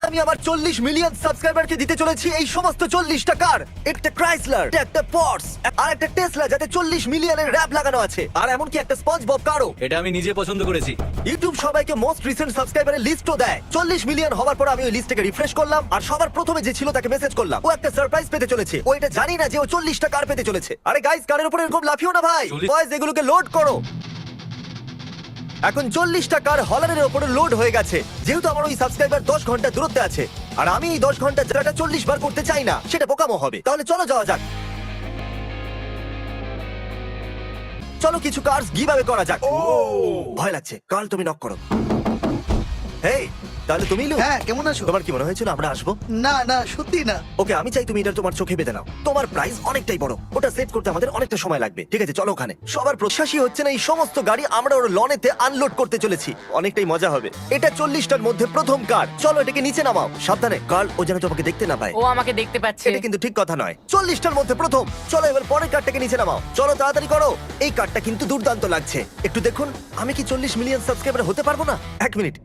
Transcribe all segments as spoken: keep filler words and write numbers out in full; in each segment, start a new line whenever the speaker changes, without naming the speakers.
আমি আমার চল্লিশ মিলিয়ন সাবস্ক্রাইবারকে দিতে চলেছি এই সমস্ত চল্লিশটা কার। একটা ক্রাইসলার, একটা পর্স, আর একটা টেসলা যাতে চল্লিশ মিলিয়নের র‍্যাপ লাগানো আছে, আর এমনকি একটা স্পঞ্জবব কারও।
এটা আমি নিজে পছন্দ করেছি।
ইউটিউব সবাইকে মোস্ট রিসেন্ট সাবস্ক্রাইবারের লিস্টও দেয়। চল্লিশ মিলিয়ন হওয়ার পর আমি ওই লিস্টটাকে রিফ্রেশ করলাম, আর সবার প্রথমে যে ছিল তাকে মেসেজ করলাম। ও একটা সারপ্রাইজ পেতে চলেছে। ও এটা জানি না যে ও চল্লিশটা কার পেতে চলেছে। আরে গাইস, কারের উপর এরকম লাফিও না ভাই। বয়েজ, এগুলোকে লোড করো। এখন চল্লিশটা কার হলারের উপরে লোড হয়ে গেছে। যেহেতু আমার ওই সাবস্ক্রাইবার দশ ঘন্টা দূরত্বে আছে, আর আমি এই দশ ঘন্টা যেটা চল্লিশ বার করতে চাই না, সেটা বোকামো হবে। তাহলে চলো যাওয়া যাক। চলো কিছু কার্স গিভঅ্যাওয়ে করা যাক। ভয় লাগছে। কাল তুমি নক করো। হেই, তাহলে তুমি লু।
হ্যাঁ, কেমন আছো?
তোমার কি মনে হয়েছিল আমরা আসবো?
না না, সত্যি না।
ওকে, আমি চাই তুমি এটা তোমার চোখে বেঁধে নাও। তোমার প্রাইস অনেকটাই বড়, ওটা সেট করতে আমাদের অনেকটা সময় লাগবে। ঠিক আছে, চলো ওখানে। সবার প্রত্যাশী হচ্ছে না এই সমস্ত গাড়ি আমরা ওর লনেতে আনলোড করতে চলেছি। অনেকটাই মজা হবে। এটা চল্লিশটার মধ্যে প্রথম কার। চলো এটাকে নিচে নামাও। সাবধানে, কার্ল ও যেন তোমাকে দেখতে না পায়।
ও আমাকে দেখতে পাচ্ছে।
এটা কিন্তু ঠিক কথা নয়। চল্লিশটার মধ্যে প্রথম। চলো এবার পরের কার্ডটাকে নিচে নামাও। চলো তাড়াতাড়ি করো। এই কার্ডটা কিন্তু দুর্দান্ত লাগছে। একটু দেখুন, আমি কি চল্লিশ মিলিয়ন সাবস্ক্রাইবার হতে পারবো না? এক মিনিট।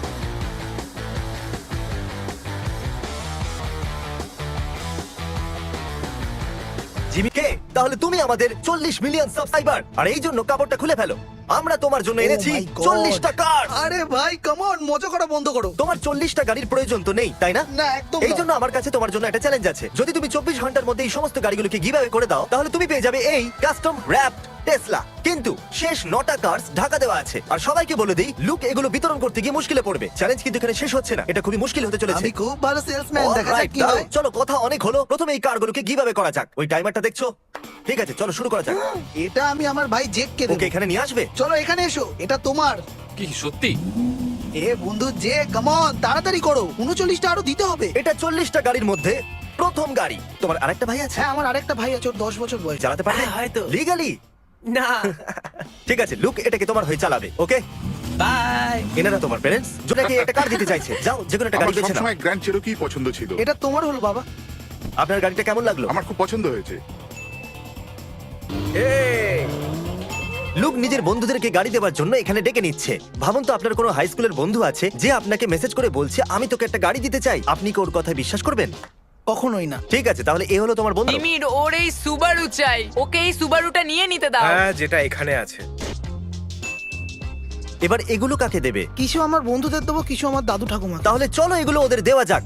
জিমি কে, তাহলে তুমি আমাদের চল্লিশ মিলিয়ন সাবস্ক্রাইবার, আর এই জন্য কাপড়টা খুলে ফেলো। আমরা তোমার জন্য এনেছি
Oh my God!
চল্লিশটা কার।
আরে ভাই, কাম অন, মজা করা বন্ধ করো।
তোমার চল্লিশটা গাড়ির প্রয়োজন তো নেই, তাই না?
না, একদম
এই
না।
জন্য আমার কাছে তোমার জন্য একটা চ্যালেঞ্জ আছে। যদি তুমি চব্বিশ ঘন্টার মধ্যে এই সমস্ত গাড়িগুলোকে গিভঅ্যাওয়ে করে দাও, তাহলে তুমি পেয়ে যাবে এই কাস্টম র‍্যাপড টেসলা। কিন্তু শেষ নটা কার্স ঢাকা দেওয়া আছে। আর সবাইকে বলে দিই, লুক এগুলো বিতরণ করতে গিয়ে মুশকিলে পড়বে। চ্যালেঞ্জ কিন্তু এখানে শেষ হচ্ছে না, এটা খুবই মুশকিল হতে চলেছে।
আমি খুব ভালো সেলসম্যান, দেখা যাক
Alright,
কি
দাঁড়াও,
হয়।
চলো কথা অনেক হলো। প্রথমে এই কারগুলোকে গিভঅ্যাওয়ে করা যাক। ওই টাইমারটা দেখছো? ঠিক আছে, চলো শুরু করা যাক।
এটা আমি আমার ভাই জেককে দেব।
ওকে এখানে নিয়ে আসবে।
চলো এখানে এসো, এটা তোমার।
কি সত্যি?
এ বন্ধু জে, কাম অন, তাড়াতাড়ি করো। উনচল্লিশটা আরো দিতে হবে।
এটা চল্লিশটা গাড়ির মধ্যে প্রথম গাড়ি। তোমার আরেকটা ভাই আছে?
হ্যাঁ, আমার আরেকটা ভাই আছে, ওর দশ বছর বয়স।
চালাতে পারবে?
হ্যাঁ, হয়তো।
লিগালি?
না।
ঠিক আছে, লুক এটাকে তোমার হয়ে চালাবে। Okay,
bye.
এনারা তোমার প্যারেন্টস, যাকে একটা কার দিতে চাইছে। যাও, যে কোনো একটা গাড়ি
আমার
বেছে নাও।
সবসময় গ্র্যান্ড চেরোকি পছন্দ ছিল।
এটা তোমার হলো বাবা।
আপনার গাড়িটা কেমন লাগলো?
আমার খুব পছন্দ হয়েছে।
এই! লুক নিজের বন্ধুদেরকে গাড়ি দেওয়ার জন্য এখানে ডেকে নিচ্ছে। ভাবুন তো, আপনার কোনো হাই স্কুলের বন্ধু আছে যে আপনাকে মেসেজ করে বলছে আমি তোকে একটা গাড়ি দিতে চাই। আপনি কি ওর কথা বিশ্বাস করবেন?
কখনোই না।
ঠিক আছে, তাহলে এ হলো তোমার বন্ধু।
জিমির ওর এই সুবারু চাই। ওকে এই সুবারুটা নিয়ে নিতে দাও।
হ্যাঁ, যেটা এখানে আছে।
এবার এগুলো কাকে দেবে?
কিছু আমার বন্ধুদের দেবো, কিছু আমার দাদু ঠাকুমা।
তাহলে চলো এগুলো ওদের দেওয়া যাক।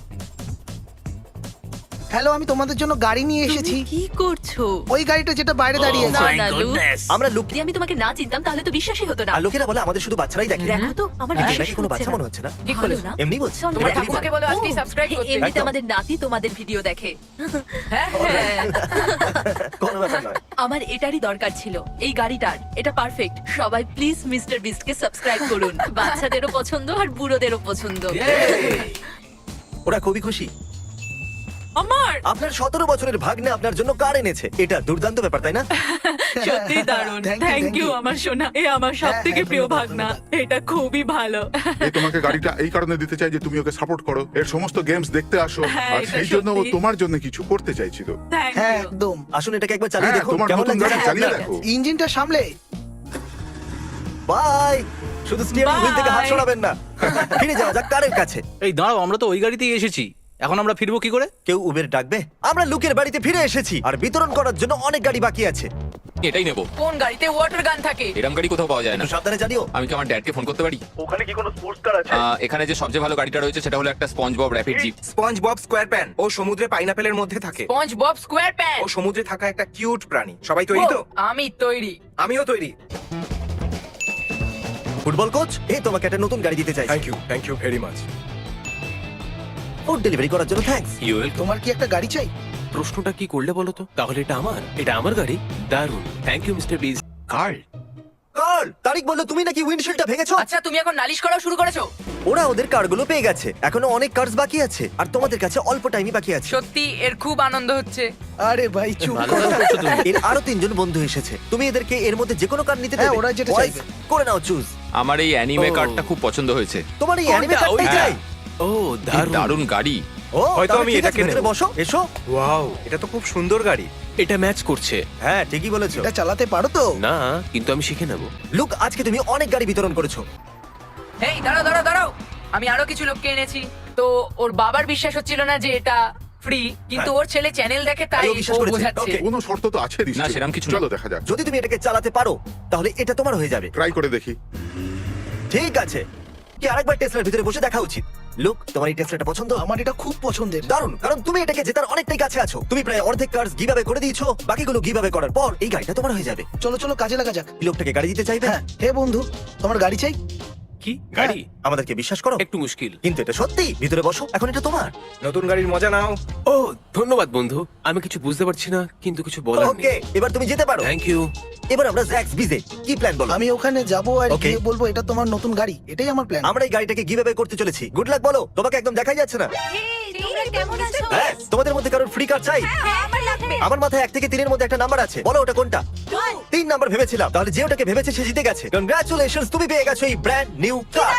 হ্যালো, আমি তোমাদের জন্য গাড়ি নিয়ে এসেছি।
তুমি কি করছো?
ওই গাড়িটা যেটা বাইরে দাঁড়িয়ে
না
আছে।
না লুক,
আমরা লুক,
যদি আমি তোমাকে না চিনতাম তাহলে তো বিশ্বাসই হতো না।
আর লোকেরা বলে আমাদের শুধু বাচ্চারাই দেখে।
দেখো তো, আমার
কিন্তু
বিশ্বাসই
নাকি কোনো
হচ্ছে
বাচ্চা
না।
মনে হচ্ছে না।
ঠিক
ভালো
বলেছো।
না?
এমনি বলছি।
চলো,
তোমার
দেখো।
ঠাকুমাকে বলো আজকেই সাবস্ক্রাইব করতে।
এমনিতে
একদম।
আমাদের নাতি তোমাদের ভিডিও দেখে।
হ্যাঁ, হ্যাঁ।
কোনো ব্যাপার নয়।
আমার এটারই দরকার ছিল, এই গাড়িটার। এটা পারফেক্ট। সবাই প্লিজ মিস্টার বিস্টকে সাবস্ক্রাইব করুন। বাচ্চাদেরও পছন্দ আর বুড়োদেরও পছন্দ।
ওরা খুবই খুশি।
আমার
আপনার সতেরো বছরের ভাগ্নে আপনার জন্য কার এনেছে। এটা দুর্দান্ত ব্যাপার, তাই না?
সত্যি দারুণ।
Thank you,
thank
thank
you
you.
আমার সোনা। এ আমার সবথেকে
হ্যাঁ,
প্রিয়
ধন্যবাদ,
ভাগনা।
ধন্যবাদ।
এটা খুবই ভালো।
এই তোমাকে গাড়িটা এই কারণে দিতে চাই যে তুমি ওকে সাপোর্ট করো, এর সমস্ত গেমস দেখতে আসো,
হ্যাঁ,
আর
এটা
সেই জন্য ও
সত্যি।
তোমার জন্য কিছু করতে চাইছিল।
থ্যাংক
হ্যাঁ,
ইউ।
একদম।
আসুন এটাকে একবার চালিয়ে
হ্যাঁ,
দেখুন
তোমার
কেমন
নতুন
লাগছে।
গাড়ি চালিয়ে
হ্যাঁ,
দেখো।
ইঞ্জিনটা সামলে।
বাই। শুধু স্টিয়ারিং হুইল থেকে হাত
Bye.
সরাবেন না। ফিরে যাওয়া যাক কারের কাছে।
এই দাঁড়াও, আমরা তো ওই গাড়িতেই এসেছি। এখন আমরা ফিরবো কি করে?
কেউ উবের ডাকবে? আমরা লুকের বাড়িতে ফিরে এসেছি, আর বিতরণ করার জন্য অনেক গাড়ি বাকি আছে।
এটাই নেবো।
কোন গাড়িতে ওয়াটার গান থাকে?
এরকম গাড়ি কোথাও পাওয়া যায় না।
একটু সাবধানে জানিও।
আমি কি আমার ড্যাডকে ফোন করতে পারি?
ওখানে কি কোনো স্পোর্টস কার আছে?
আহ, এখানে যে সবচেয়ে ভালো গাড়িটা রয়েছে সেটা হলো একটা SpongeBob rapid jeep.
Sponge bob square pants ও সমুদ্রে পাইনাপেলের মধ্যে থাকে।
Sponge bob square pants.
ও সমুদ্রে থাকা একটা কিউট প্রাণী। সবাই তৈরি তো?
আমি তৈরি।
আমিও তৈরি।
ফুটবল কোচ, এই তোমাকে একটা নতুন গাড়ি দিতে চাই।
Thank you, thank you very much.
Food delivery করার জন্য থ্যাঙ্কস।
তোমার কি একটা গাড়ি চাই?
প্রশ্নটা কি করলে বলো তো? তাহলে এটা আমার, এটা আমার গাড়ি। দারুন, thank you mister Biz.
Karl,
Karl, Tariq বললো তুমি নাকি উইন্ডশিল্ডটা ভেঙেছো।
আচ্ছা, তুমি এখন নালিশ করা শুরু করেছো?
ওরা ওদের কারগুলো পেয়ে গেছে। এখনো অনেক কার্স বাকি আছে, আর তোমাদের কাছে অল্প টাইমই বাকি আছে।
সত্যি এর খুব আনন্দ হচ্ছে।
আরে ভাই চুপ
ভালো
করো।
কাজ করছো তুমি।
এর আরো তিনজন বন্ধু এসেছে। তুমি এদেরকে এর মধ্যে যে কোনো কার নিতে
হ্যাঁ,
দেবে।
ওরা যেটা
Boys,
চাইবে।
করে নাও চুজ।
আমার এই অ্যানিমে
ও।
কারটা খুব পছন্দ হয়েছে।
তোমার এই অ্যানিমে
কোনটা?
কারটাই
ওইটা?
চাই।
ও
কি
দারুন,
দারুণ গাড়ি।
ও,
হয়তো
তাহলে
আমি
ঠিক আছে,
এটাকে
ভেতরে
নেব।
বসো, এসো।
ওয়াও, এটা তো খুব সুন্দর গাড়ি।
এটা ম্যাচ করছে।
হ্যাঁ, ঠিকই বলেছো।
এটা চালাতে পারো তো?
না, কিন্তু আমি শিখে নেব।
লুক, আজকে তুমি অনেক গাড়ি বিতরণ করেছো।
এই দাঁড়াও দাঁড়াও দাঁড়াও। আমি আরো কিছু লোককে এনেছি। তো ওর বাবার বিশ্বাস হচ্ছিল না যে এটা ফ্রি, কিন্তু ওর ছেলে চ্যানেল দেখে তাই
তাই ও বিশ্বাস
ও
করেছে।
বোঝাচ্ছে।
Okay.
কোনো শর্ত তো আছে নিশ্চয়ই।
না, সেরম কিছু না।
চলো দেখা যাক,
যদি তুমি এটাকে চালাতে পারো তাহলে এটা তোমার হয়ে যাবে।
ট্রাই করে দেখি।
ঠিক আছে, কি আরেকবার টেসলার ভিতরে বসে দেখা উচিত। লুক, তোমার এই টেসলাটা পছন্দ?
আমার এটা খুব পছন্দের।
দারুণ, কারণ তুমি এটাকে জেতার অনেকটাই কাছে আছো। তুমি প্রায় অর্ধেক কার্স গিভঅ্যাওয়ে করে দিয়েছো, বাকিগুলো গিভঅ্যাওয়ে করার পর এই গাড়িটা তোমার হয়ে যাবে।
চলো চলো কাজে লাগা যাক।
এই লোকটাকে গাড়ি দিতে চাইবে?
হ্যাঁ, হে বন্ধু, তোমার গাড়ি চাই?
কি গাড়ি?
আমাদেরকে বিশ্বাস করো,
একটু মুশকিল।
কিন্তু এটা সত্যি। ভিতরে বসো, এখন এটা তোমার।
নতুন গাড়ির মজা নাও।
ও ধন্যবাদ বন্ধু, আমি কিছু বুঝতে পারছি না কিন্তু কিছু বলার
ওকে,
নেই।
এবার তুমি যেতে পারো।
Thank you.
এবার আমরা জ্যাক্স বিজে কি প্ল্যান বলো?
আমি ওখানে যাবো আর
Okay.
গিয়ে বলবো এটা তোমার নতুন গাড়ি, এটাই আমার প্ল্যান।
আমরা এই গাড়িটাকে গিভঅ্যাওয়ে করতে চলেছি। গুড লাক বলো, তোমাকে একদম দেখাই যাচ্ছে না। হ্যাঁ, তোমাদের মধ্যে কারোর ফ্রি কার চাই? আমার মাথায় এক থেকে তিনের মধ্যে একটা নাম্বার আছে, বলো ওটা কোনটা? তিন নাম্বার ভেবেছিলাম, তাহলে যে ওটাকে ভেবেছে সে জিতে গেছে। কংগ্রাচুলেশনস, তুমি পেয়ে গেছো এই ব্র্যান্ড নিউ কার।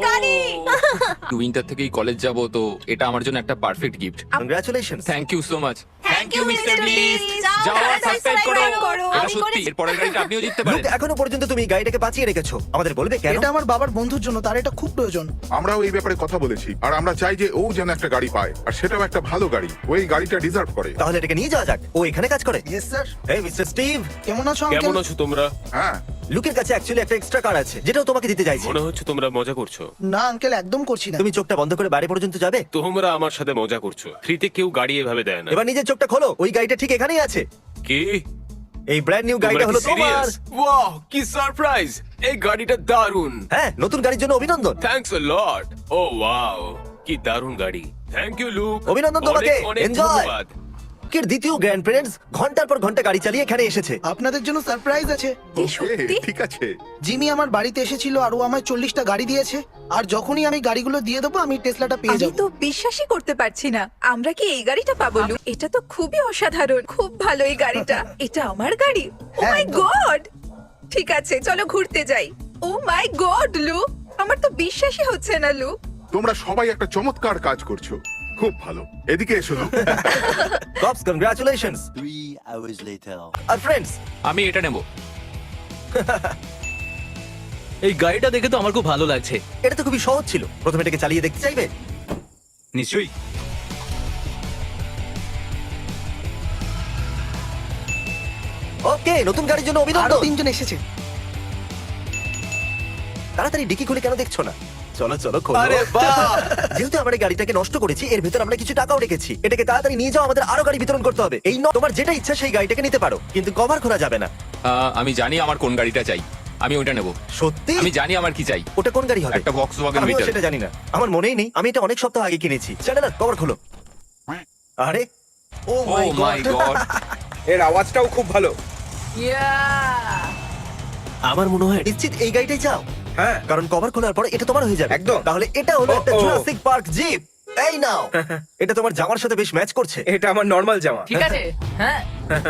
উইন্টার থেকেই কলেজ যাব, তো এটা আমার জন্য একটা perfect gift.
Congratulations.
Thank you so much. Thank you mister beast. যাও আর সাবস্ক্রাইব করো। এটা সত্যি, এর পরের গাড়িটা আপনিও জিততে পারেন।
এখনো পর্যন্ত তুমি এই গাড়িটাকে বাঁচিয়ে রেখেছো, আমাদের বলবে কেন?
এটা আমার বাবার বন্ধুর জন্য, তার এটা খুব প্রয়োজন।
আমরাও এই ব্যাপারে কথা বলেছি, আর আমরা চাই যে ও যেন একটা গাড়ি পায়, আর সেটাও একটা ভালো গাড়ি। ও এই গাড়িটা ডিজার্ভ করে।
তাহলে এটাকে নিয়ে যাওয়া যাক। ও এখানে কাজ করে।
Yes sir.
এই মিস্টার স্টিভ,
কেমন আছো
কেমন
আঙ্কেল?
আছো তোমরা?
হ্যাঁ,
লুকের কাছে অ্যাকচুয়ালি একটা এক্সট্রা কার আছে, যেটাও তোমাকে দিতে চাইছি।
মনে হচ্ছে তোমরা মজা করছো।
না আঙ্কেল, একদম করছি না।
তুমি চোখটা বন্ধ করে বাড়ি পর্যন্ত যাবে।
তোমরা আমার সাথে মজা করছো। ফ্রিতে কেউ গাড়ি এভাবে দেয় না।
এবার নিজের চোখটা খোলো, ওই গাড়িটা ঠিক এখানেই আছে।
কি?
এই ব্র্যান্ড নিউ গাড়িটা হলো তোমার।
ওয়াও, কি সারপ্রাইজ! এই গাড়িটা দারুণ।
হ্যাঁ, নতুন গাড়ির জন্য অভিনন্দন।
Thanks a lot. O wow, কি দারুণ গাড়ি। Thank you Luke.
অভিনন্দন তোমাকে।
অনেক অনেক
Enjoy!
ধন্যবাদ।
লুকের দ্বিতীয় গ্র্যান্ড প্যারেন্টস ঘন্টার পর ঘন্টা গাড়ি চালিয়ে এখানে এসেছে।
আপনাদের জন্য সারপ্রাইজ আছে।
ওকে, ঠিক আছে।
জিমি আমার বাড়িতে এসেছিল আর ও আমায় চল্লিশটা গাড়ি দিয়েছে, আর যখনই আমি গাড়িগুলো দিয়ে দেবো আমি টেসলাটা পেয়ে
আমি
যাবো।
তো বিশ্বাসই করতে পারছি না আমরা কি এই গাড়িটা পাবো লু? এটা তো খুবই অসাধারণ, খুব ভালো এই গাড়িটা। এটা আমার গাড়ি? ও
হ্যাঁ,
মাই
একদম।
গড! ঠিক আছে চলো ঘুরতে যাই। ও মাই গড লু, আমার তো বিশ্বাসই হচ্ছে না লু।
তোমরা সবাই একটা চমৎকার কাজ করছো, খুব ভালো। এদিকে এসো লুক।
কপস, কংগ্রাচুলেশনস। আর ফ্রেন্ডস,
আমি এটা নেব।
এই গাড়িটা দেখে তো আমার খুব ভালো লাগছে।
এটা তো খুবই সহজ ছিল। প্রথমে এটাকে চালিয়ে দেখতে চাইবে?
নিশ্চয়ই।
ওকে, নতুন গাড়ির জন্য
আরো
অভিনন্দন।
তিনজন এসেছে।
তাড়াতাড়ি ডিকি খুলে কেন দেখছো না? চলো চলো খোলো।
আরে বাহ!
যেহেতু আমরা এই গাড়িটাকে নষ্ট করেছি, এর ভিতর আমরা কিছু টাকাও রেখেছি। এটাকে তাড়াতাড়ি নিয়ে যাও, আমাদের আরো গাড়ি বিতরণ করতে হবে। এই ন তোমার যেটা ইচ্ছা সেই গাড়িটাকে নিতে পারো, কিন্তু কভার খোলা যাবে না।
আহ, আমি জানি আমার কোন গাড়িটা চাই, আমি ওইটা নেব।
সত্যি?
আমি জানি আমার কি চাই।
ওটা কোন গাড়ি হবে?
একটা Volkswagen
আমিও
Beetle।
সেটা জানি না, আমার মনেই নেই। আমি এটা অনেক সপ্তাহ আগে কিনেছি। চ্যানেলার কভার খোলো। আরে ও
ও
মাই
মাই
গড,
গড।
এর আওয়াজটাও খুব ভালো।
ইয়া!
আমার মনে হয়
নিশ্চিত এই গাড়িটাই চাও?
হ্যাঁ,
কারণ কভার খোলার পরে এটা তোমার হয়ে যাবে।
একদম।
তাহলে এটা হলো একটা
ও, ও।
Jurassic park jeep. এই নাও। এটা তোমার জামার সাথে বেশ ম্যাচ করছে।
এটা আমার নর্মাল জামা।
ঠিক আছে, হ্যাঁ।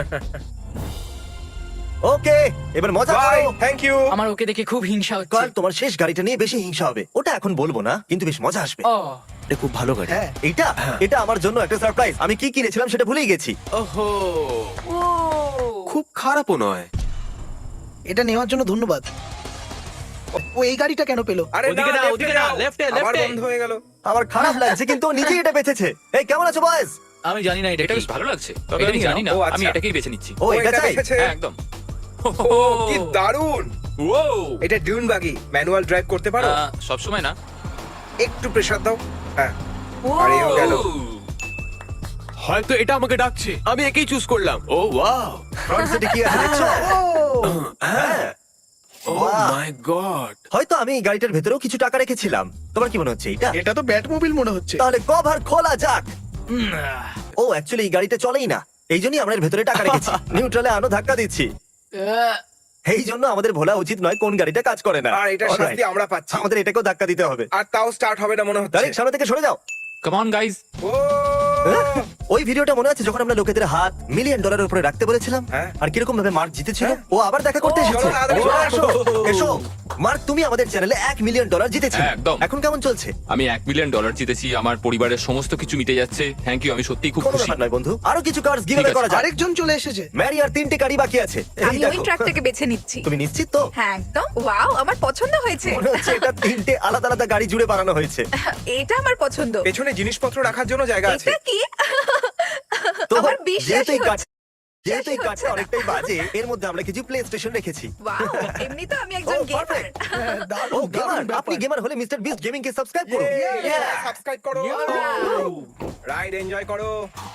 ওকে, এবার মজা
বাই,
করো।
Thank you.
আমার ওকে দেখে খুব হিংসা হচ্ছে।
কাল তোমার শেষ গাড়িটা নিয়ে বেশি হিংসা হবে। ওটা এখন বলবো না, কিন্তু বেশ মজা আসবে।
ও,
এটা খুব ভালো গাড়ি।
হ্যাঁ,
এটা এটা আমার জন্য একটা সারপ্রাইজ। আমি কি কিনেছিলাম সেটা ভুলেই গেছি।
ওহো,
ও,
খুব খারাপও নয়।
এটা নেওয়ার জন্য ধন্যবাদ। ও এই গাড়িটা কেন পেলো?
আরে
ওদিকে না,
left-এ
ওদিকে না,
যাও।
left-এ,
আবার
left-এ।
বন্ধ হয়ে গেল।
আমার খারাপ লাগছে, কিন্তু ও নিজেই এটা বেঁচেছে। এই কেমন আছো বয়েজ?
আমি জানি না এটা
এটা
কি।
বেশ ভালো লাগছে, তবে
এটা
আমি
নিয়ে
জানি না,
নাও। ও, আচ্ছা।
আমি এটাকেই বেছে নিচ্ছি।
ও এটা চাই?
দেখেছে?
হ্যাঁ, একদম।
ও, কি দারুণ।
ও,
এটা ডিউন বাগি, ম্যানুয়াল ড্রাইভ করতে পারো?
সব সময় না।
একটু প্রেসার দাও। হ্যাঁ,
ও।
আরে ও গেল।
হয়তো এটা আমাকে ডাকছে। আমি একেই চুজ করলাম। ও ওয়াও,
ফ্রন্ট সিটে কি আছে দেখছো? হ্যাঁ।
ও
বাহ।
My god.
হয়তো আমি এই গাড়িটার ভেতরেও কিছু টাকা রেখেছিলাম। তোমার কি মনে হচ্ছে এটা?
এটা তো ব্যাটমোবিল মনে হচ্ছে।
তাহলে কভার খোলা যাক। ও অ্যাকচুয়ালি এই গাড়িটা চলেই না, এই জন্যই আমরা এর ভেতরে টাকা রেখেছি। নিউট্রালে আনো ধাক্কা দিচ্ছি।
আহ,
এই জন্য আমাদের ভোলা উচিত নয় কোন গাড়িটা কাজ করে না।
আর এটা
Alright,
শাস্তি আমরা পাচ্ছি।
আমাদের এটাকেও ধাক্কা দিতে হবে।
আর তাও স্টার্ট হবে না মনে হচ্ছে।
ডাইরেক্ট সামনে থেকে সরে যাও।
Come on guys.
ও
ওই ভিডিওটা মনে আছে যখন আমরা লোকেদের হাত মিলিয়ন ডলারের উপরে রাখতে বলেছিলাম
হ্যাঁ।
আর কিরকম ভাবে মার্ক জিতেছিল ও আবার দেখা করতে
ও,
এসেছে
চলো তাড়াতাড়ি চলে আসো।
এসো মার্ক তুমি আমাদের চ্যানেলে এক মিলিয়ন ডলার জিতেছিলে
হ্যাঁ, একদম।
এখন কেমন চলছে
আমি এক মিলিয়ন ডলার জিতেছি, আমার পরিবারের সমস্ত কিছু মিটে যাচ্ছে। থ্যাংক ইউ, আমি সত্যিই খুব
কোনো
খুশি।
ব্যাপার নয় বন্ধু আরো কিছু কার্ডস গিভঅ্যাওয়ে
ঠিক আছে।
করা যাক
আরেকজন চলে এসেছে।
ম্যারি আর তিনটে গাড়ি বাকি আছে এই
আমি ওই
দেখো।
ট্রাকটাকে বেছে নিচ্ছি।
তুমি নিশ্চিত তো
হ্যাঁ একদম। ওয়াও, আমার পছন্দ হয়েছে।
মনে হচ্ছে এটা তিনটে আলাদা আলাদা গাড়ি জুড়ে বানানো হয়েছে
এটা আমার পছন্দ।
পেছনে জিনিসপত্র রাখার জন্য জায়গা আছে।
এটা কি?
তো
আমার
যেহেতু
বিশ্বাসই
এই কাঠ-
হচ্ছে
যেহেতু এই
হচ্ছে
কাঠটা
না।
অনেকটাই বাজে এর মধ্যে আমরা কিছু প্লে স্টেশন রেখেছি
ওয়াও, এমনি তো আমি একজন
Oh,
গেমার।
perfect.
হ্যাঁ,
ও
দারুণ,
গেমার
দারুণ ব্যাপার।
আপনি গেমার হলে মিস্টার বিস্ট গেমিং কে সাবস্ক্রাইব করুন
সাবস্ক্রাইব করো। রাইড এনজয় করো।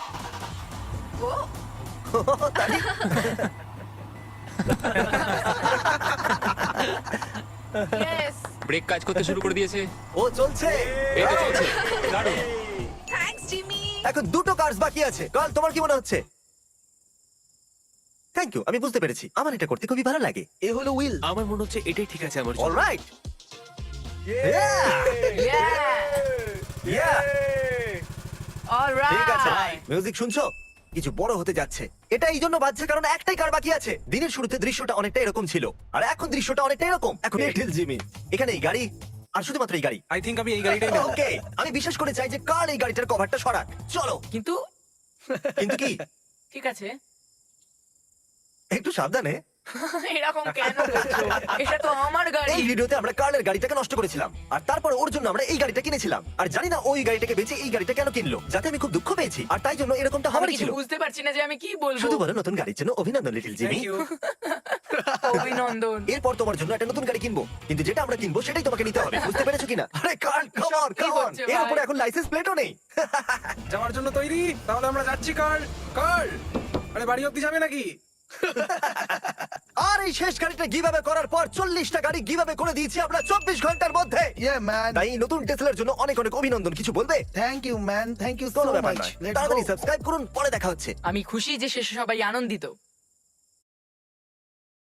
Yes!
ব্রেক কাজ করতে শুরু করে দিয়েছে।
ও চলছে
এই তো চলছে, দারুণ।
Thanks Jimmy.
এখন দুটো কার্স বাকি আছে কাল তোমার কি মনে হচ্ছে থ্যাংক ইউ আমি বুঝতে পেরেছি আমার এটা করতে খুবই ভালো লাগে
এ হলো উইল।
আমার মনে হচ্ছে এটাই ঠিক আছে আমার জন্য।
Alright
Yeah! All
ঠিক আছে
right!
মিউজিক শুনছো কিছু বড় হতে যাচ্ছে এটা এই জন্য বাজছে কারণ একটাই কার বাকি আছে দিনের শুরুতে দৃশ্যটা অনেকটা এরকম ছিল আর এখন দৃশ্যটা অনেকটা এরকম এখন লিটল জিমি এখানে এই গাড়ি আর শুধুমাত্র এই গাড়ি
আই থিংক আমি এই গাড়িটাই নেব।
ওকে আমি বিশেষ করে চাই যে কার এই গাড়িটার কভারটা সরাক চলো
কিন্তু
কিন্তু কি
ঠিক আছে
একটু সাবধানে
এরকম কেন করছো? এটা তো আমার গাড়ি।
এই ভিডিওতে আমরা কার্লের গাড়িটাকে নষ্ট করেছিলাম আর তারপর ওর জন্য আমরা এই গাড়িটা কিনেছিলাম আর জানি না ওই গাড়িটাকে বেচে এই গাড়িটা কেন কিনলো যাতে আমি খুব দুঃখ পেয়েছি আর তাই জন্য এরকমটা
আমি
হবারই
কিছু
ছিল
বুঝতে পারছি না যে আমি কি বলবো।
শুধু বলো নতুন গাড়ির জন্য অভিনন্দন লিটল জিমি
Thank you.
অভিনন্দন।
এরপর তোমার জন্য একটা নতুন গাড়ি কিনবো কিন্তু যেটা আমরা কিনবো সেটাই তোমাকে নিতে হবে বুঝতে পেরেছো কিনা আরে কার্ল কাম অন
কি
কাম অন
হচ্ছে
এর
ভাই?
উপরে এখন লাইসেন্স প্লেটও নেই
যাওয়ার জন্য তৈরি? তাহলে আমরা যাচ্ছি কার্ল। কার্ল, আরে বাড়ি অব্দি যাবে নাকি?
আর এই শেষ গাড়িটা গিভঅ্যাওয়ে করার পর চল্লিশটা গাড়ি গিভঅ্যাওয়ে করে দিয়েছি আমরা চব্বিশ ঘন্টার মধ্যে
ইয়া ম্যান।
তাই এই নতুন টেসলার জন্য অনেক অনেক অভিনন্দন কিছু বলবে
thank you man, thank you so
কোনো ব্যাপার
মাচ।
নয় তাড়াতাড়ি সাবস্ক্রাইব করুন পরে দেখা হচ্ছে
আমি খুশি যে শেষে সবাই আনন্দিত।